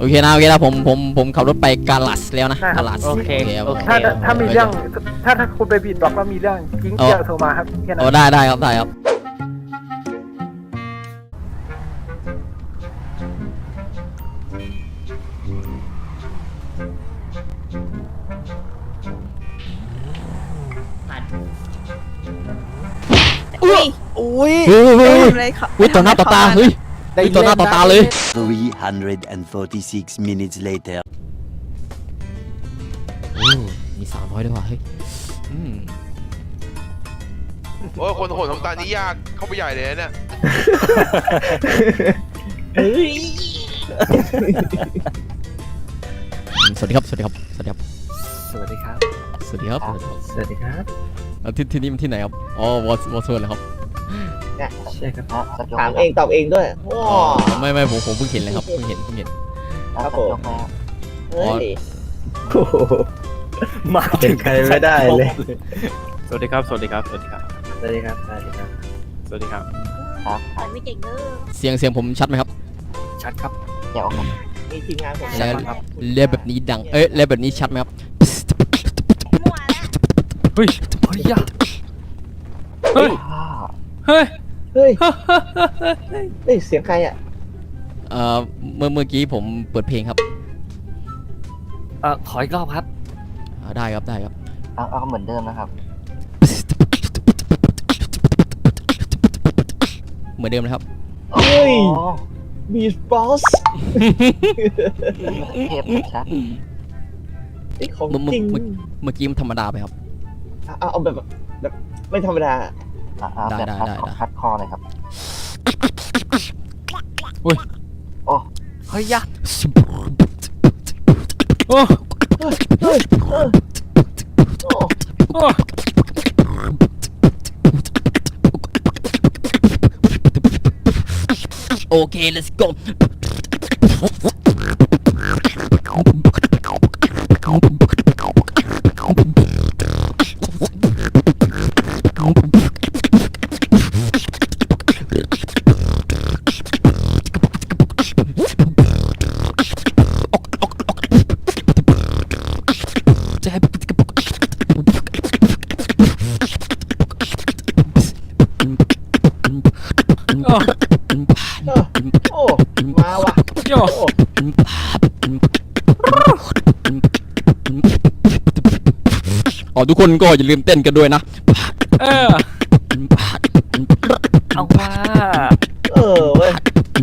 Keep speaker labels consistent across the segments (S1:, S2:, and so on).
S1: เคนะผมขับรถไปกาลัสแล้วนะกาลัส
S2: โอเค
S3: ถ้ามีเรื่องถ้าคุณไปบีดบล็อกแล้วมีเรื่องกิ้งเกียร์โทรมาครับแค่นั้น
S1: ได้ครับ
S4: อุ้ย
S1: อุ้ย
S4: เลยค่ะ
S1: ต่อหน้าต่อตาเฮ้ยต่อหน้าต่อตาเลย
S5: 346 minutes later.
S1: มี300ด้วยว่ะเฮ้ย
S6: โอ้ยคนโหดทำตานี้ยากเข้าไปใหญ่เลยเนี่ย
S1: สวัสดีครับ
S3: สวัสดีครับ
S1: สวัสดีครับที่นี่มันที่ไหนครับอ๋อวอร์โซนเหรอครับ
S3: ใช่ครับ
S2: ถามเองตอบเองด้วยโอ้
S1: ไม่ผมเพิ่งเห็นเลยครับเพิ่งเห็น
S2: ครับผมเฮ้ย
S3: มาถึงใครไม่ได้เลย
S7: สวัสดีครับ
S3: สวัสดีครับ
S4: ไม่เก่งเด้อ
S1: เสียงผมชัดไหมครับ
S3: ชัดครับ
S2: เดี๋ยวมีทีมงานผม
S1: แล้วแบบนี้ดังแล้วแบบนี้ชัดไหมครับ
S4: มั่วแล้ว
S7: เฮ้ย
S3: เฮ้ยยะ
S7: เฮ้ย เฮ้ย
S2: เฮ้ยเฮ้ยเสียงใครอ่ะ
S1: เมื่อกี้ผมเปิดเพลงครับ
S3: ขออีกรอบครับ
S1: ได้ครับ
S2: เอาเหมือนเดิมนะครับ
S1: เหมือนเดิมนะครับ
S2: เฮ้ยบีสบอสเทปชัดไอ้ของจริง
S1: เมื่อกี้มันธรรมดาไปครับ
S2: เอาแบบไม่ธรรมดา
S1: ได้
S2: คัดคอเลยครับ
S1: อุ้ย
S2: โอ้เฮ้ยยะ
S7: โอ้
S2: เฮ้ย
S7: โอ้
S1: โอเค let's go
S2: โอ้มาว่ะ
S7: โย
S1: ทุกคนก็อย่าลืมเต้นกันด้วยนะ
S7: เอาว่า
S2: เว้ย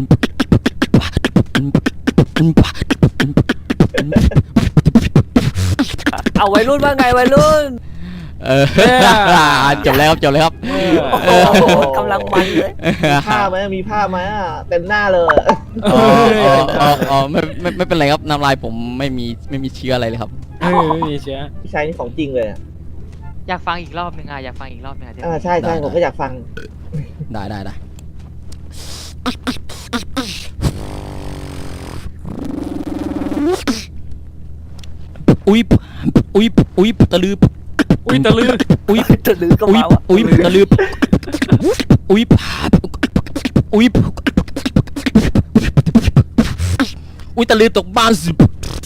S7: เอาวัยรุ่นว่าไงวัยรุ่น
S1: จบแล้วครับ
S7: กำลังมันเลย
S2: มีผ้าไหมเต็มหน้าเลย
S1: ไม่เป็นไรครับน้ำลายผมไม่มีเชื้ออะไรเลยครับ
S7: ไม่มีเชื้อ
S2: พี่ชายนี่ของจริงเลย
S8: อยากฟังอีกรอบนึงอยากฟังอีกรอบนึง
S2: ใช่ผมก็อยากฟัง
S1: ได้อุ้ยตะลืออุ้ยตะลือก็มาวะอุ้ยตะลืออุ้ยตะลือตกบ้านสิ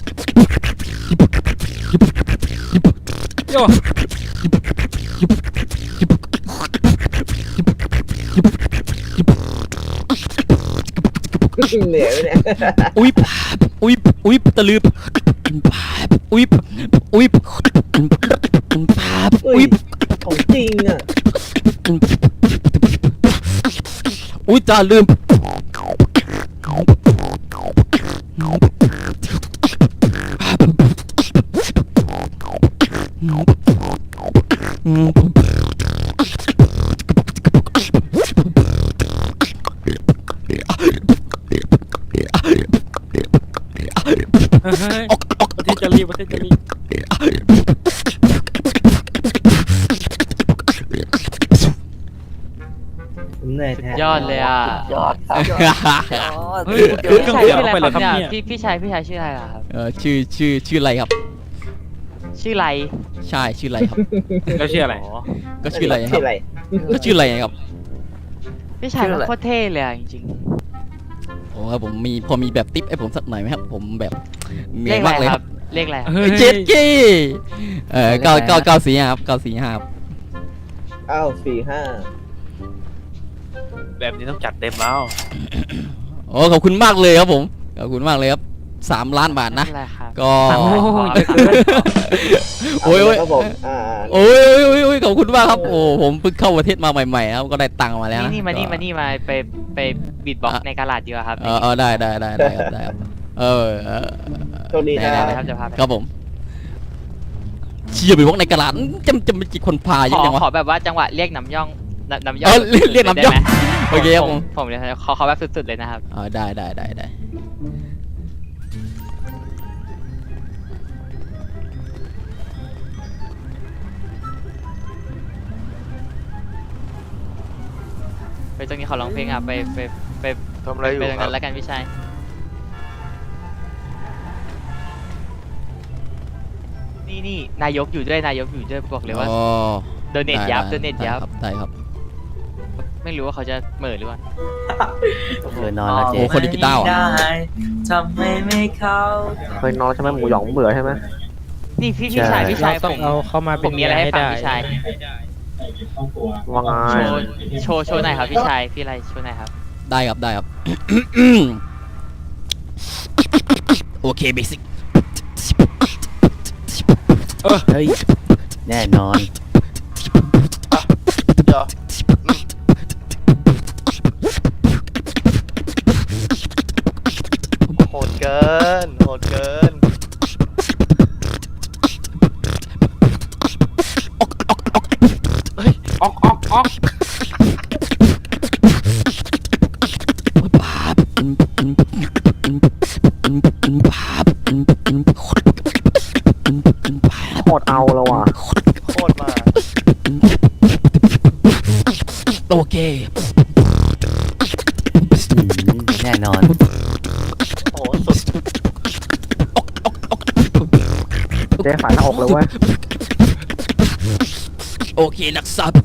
S7: โย
S2: เหนื่อยไหมเนี่ย
S1: อุ้ยตะลืออุ้ย
S2: ของจริงอ่ะ
S1: อุ้ยตาลืม
S7: ประเทศจะรี
S2: เหนื่อยแท้
S8: ยอดเลยอ่ะ
S2: ยอดครับ
S7: เฮ้ยเครื่องเสียงไปเลยครับเนี่ย
S8: พี่ชายชื่ออะไรล่ะครับ
S1: ชื่ออะไรครับ
S8: ชื่อไร
S1: ใช่ชื่ออะไรครับ
S7: แล้วชื่ออะไร
S1: ก็ชื่ออะไรค
S2: ชื่
S1: รับ
S2: ออะไร
S1: ก็ชื่ออะไรครับ
S8: พี่ชายมันโคตรเท่เลยอ่ะจริง
S1: โอ้ครับผมมีพอมีแบบติ๊บให้ผมสักหน่อยไหมครับผมแบบเหนื่
S8: เล
S1: อย
S8: ขอะไร
S1: มากเลย
S8: ค
S1: ค
S8: รั
S1: รั
S8: บบ เลขอะไรครับ
S7: เฮ้ย
S1: เจ็ดกี้945ครับ945ครับ
S2: 945
S7: แบบนี้ต้องจัดเต็มแล้ว
S1: โอ้ขอบคุณมากเลยครับผมขอบคุณมากเลยครับ3 ล้านบาทนะ
S8: อะไรครับ
S1: ก็
S8: โอ้ยเยอะเกิน
S1: โอ้ย
S2: ครับผม
S1: โอ้ยขอบคุณมากครับโอ้ผมเพิ่งเข้าประเทศมาใหม่ๆครับก็ได้ตังค์มาแล้วนะ
S8: นี่มาไปบีทบ็อกซ์ในกาลาดดีกว่าครับ
S1: ได้ครับได้ครับ
S2: โชคดีนะ
S8: ได้ครับจะพาไป
S1: ครับผมเชียร์ไปวอกในกระดาษจะมีกี่คนพาเยอะจังวะ
S8: ขอแบบว่าจังหวะเรียกน้ำย่องน้ำย่อ
S1: เอง อเรียกน้ำย่อง
S8: ได้ไหม
S1: โอเคครับผม
S8: ผมเลยขอแบบสุดๆเลยนะครับ
S1: ได้
S8: ไปตรงนี้ขอร้องเพลงอ่ะไป
S6: ทำอะไรอยู่
S8: ไปตรง
S6: ครั
S8: นั้
S6: บ
S8: นแล้วกันพี่ชายนี่นายกอยู่ด้วยบอกเลยว่าโดเนทยับ
S1: ได้ครับ
S8: ไม่รู้ว่าเขาจะเหม่อหรือว่า
S5: นอนแล้วเจ๊
S1: โอ้คนดีกีตาร์อ่ะ
S5: ทำให้ไม่เข้า
S2: เคยนอนใช่ไหมหมูหยองเบื่อใช่ไหม
S8: นี่พี่ชาย
S7: ต้องเอาเข้ามา
S8: ผ
S7: เป็น
S8: มมีอะไรให้ฟังพี่ชาย
S2: ว่าไง
S8: โชว์หน่อยครับพี่ชายพี่อะไรโชว์หน่อยครับ
S1: ได้ครับ โอเคเบสิก
S5: เฮ้ยแน่นอน
S6: เดี๋ยว
S9: โหดเกิน
S7: ออก
S2: โคตรเอาแล้วว่ะ
S9: โคตรมาก
S1: โอเค
S5: แน่นอน
S9: โอ้โหสุด
S2: เจ๊ฝ่ายหน้าอกเลยเว้ย
S1: โอเคนักสัต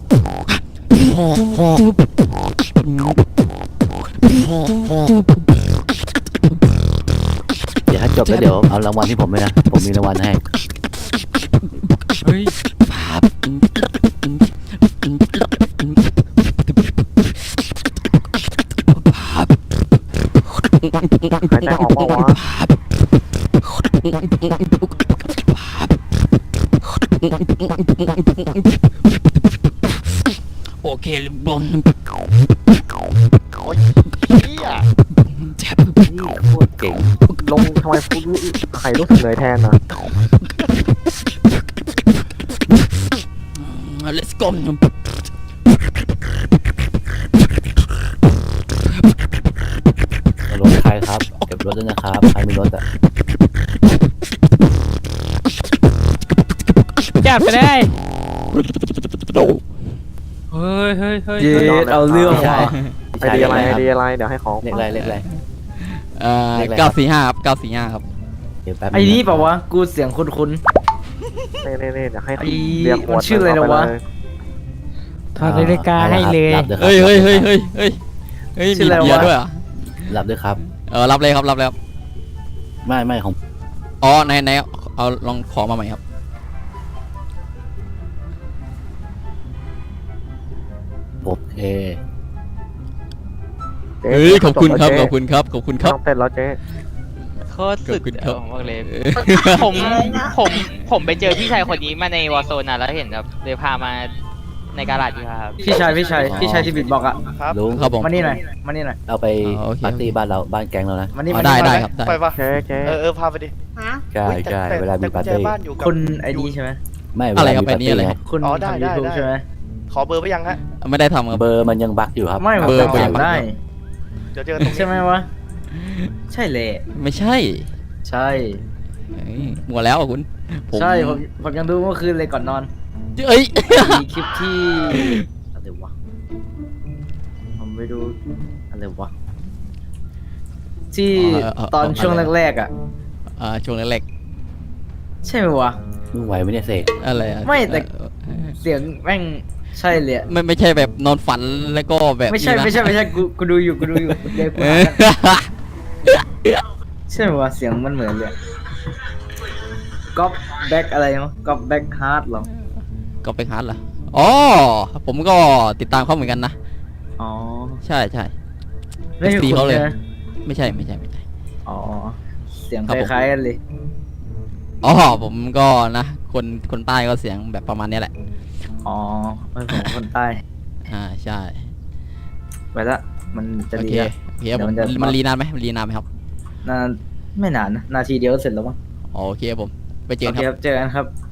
S5: เดี๋ยวถ้าจบแล้วเดี๋ยวเอารางวัลที่ผมเลยนะ ผมมีรางวัลให้
S7: เฮ้ย
S2: หายใจออกเปล่าวะ
S1: โอเคบอล
S9: โอ้ยเฮีย
S1: แท็บ
S5: นี่โคตรเก่ง
S2: ลงทำไมพูดใครรู้สึกเหนื่อยแทนนะ
S1: let's go
S5: รถใครครับ เก็บรถด้วยนะครับ ใครมีรถอ่ะ
S7: จัดไปได้เฮ้ย
S2: เย็ดเอาเรื่อง
S5: พี่ชาย
S2: ไอเดียอะไรเดี๋ยวให้ของ
S5: เลขอะไรเลขอะไร
S1: 945ครับ945ครับ
S5: เดี๋ยวแป๊บ
S10: ไอ้นี่เปล่าวะ กูเสียงคุ้น
S2: นี่เดี๋ยวให้
S10: ไอ้
S2: เรียกขวด
S10: มันชื่ออะไรนะวะ
S7: ถอดนาฬิกาให้เลย
S5: หลับด้ว
S1: เฮ้ย
S10: ชื่
S1: มี
S10: ออะไรวะ
S1: เบียร์ด้วยอ่ะ
S5: หลับด้วยครับ
S1: รับเลยครับ
S5: ไม่ของ
S1: อ๋อไหนเอาลองขอมาใหม่ครับ
S5: โอเค
S2: เจ๊
S1: เฮ้ยขอบคุณครับ
S2: เจ๊
S1: ขอบคุณครับ
S2: ไม่ต้องเต้นแล้วเจ๊
S8: โคตรสุด
S1: ขอบคุณครับ
S8: ผมบอกเลยผมไปเจอพี่ชายคนนี้มาในวอร์โซนนะแล้วเห็นแบบเลยพามาในกาลาดดีครับ
S10: ๆ พี่ชายที่บิดบอกอะ
S9: ครับ
S5: ลุง
S1: ครับผม
S10: มานี่หน่อย
S5: เอาไป
S1: อ๋อโอเค
S5: ปาร์ตี้บ้านเรา บ้านแก๊งเรานะ
S10: มานี่
S1: อ๋อ
S10: มา
S1: ได้
S10: นี่
S1: ได้ครับได้
S9: ไปปะ
S2: เจ๊
S9: พาไปดิ
S4: ฮะ
S5: ใช่ใช่เวลามีปาร์
S9: แต่
S5: ตี้
S9: บ้านอยู่กับ
S10: คุณไอ้นี่ใช่ไหม
S5: ไม่เว
S1: อะไร
S5: ลา
S1: ครับ
S5: มีปาร์
S1: ไอ้นี่
S5: ตี้
S1: อะไร
S5: ไง
S10: คุณ
S9: อ๋อได้
S10: ทำ YouTube ใช่ไหม
S9: ขอเบอร์ไปยังฮะ
S1: ไม่ได้ทำครับ
S5: เบอร์มันยังบั๊กอยู่ครับ
S10: ไม่
S1: เบอร์
S10: ผมจำได้
S9: เดี๋ยวเจอกันตรงนี้
S10: ใช่ไหมวะ ใช่เลย
S1: ไม่ใช่
S10: ใช่
S1: เอ้ยหมดแล้วอ่ะคุณผม
S10: ใช่ผมยังดูเมื่อคืนเลยก่อนนอน
S1: เอ้ย
S10: มีคลิปที่อะไรวะ ผมไปดูอะไรวะ ที่ตอนช่วงแรกๆอ่ะ
S1: ช่วงแรก
S10: ใช่ไหมวะ
S5: มึงไหวไหมเนี่ยเสก
S1: ๆอะไรอะ
S10: ไม่แต่ เสียงแม่งใช่เลยอะ
S1: ไม่ใช่แบบนอนฝันแล้วก็แบบ
S10: ไม่ใช่
S1: นี้นะ
S10: กูดูอยู่เดี๋ยวกู
S1: เอ
S10: หา
S1: อ
S10: กันช่ไหมวะเสียงมันเหมือนเลยก๊อปแบ็กอะไรมั้งก๊อปแบ็กฮาร์ดหรอ
S1: ก็ไปฮาร์ดเหรออ๋อผมก็ติดตามเขาเหมือนกันนะ
S10: อ๋อ
S1: ใช่ใช่
S10: ไม่ใช่
S1: ตี
S10: คุณ
S1: เขาเลย
S10: นะ
S1: ไม่ใช่
S10: อ๋อเสียง
S1: ค
S10: ครับ
S1: ผม
S10: ล้ายๆกันเลย
S1: อ๋อผมก็นะคนใต้ก็เสียงแบบประมาณเนี้ยแหละ
S10: อ๋อไม่ผมคนใต้
S1: ใช่
S10: ไปละมันจะ
S1: โอ
S10: ดี
S1: เค
S10: ละ
S1: โอเคครับผม
S10: เดี๋ยวมันจะ
S1: มันรีนานไหมมันรีนานไหมครับ
S10: นานไม่นานนะนาทีเดียวเสร็จแล้วมั้ง
S1: อ๋อโอเคครับผมไปเจอ
S10: โอ
S1: กัน
S10: เค
S1: ค
S10: ครับ รับเจอกันครับ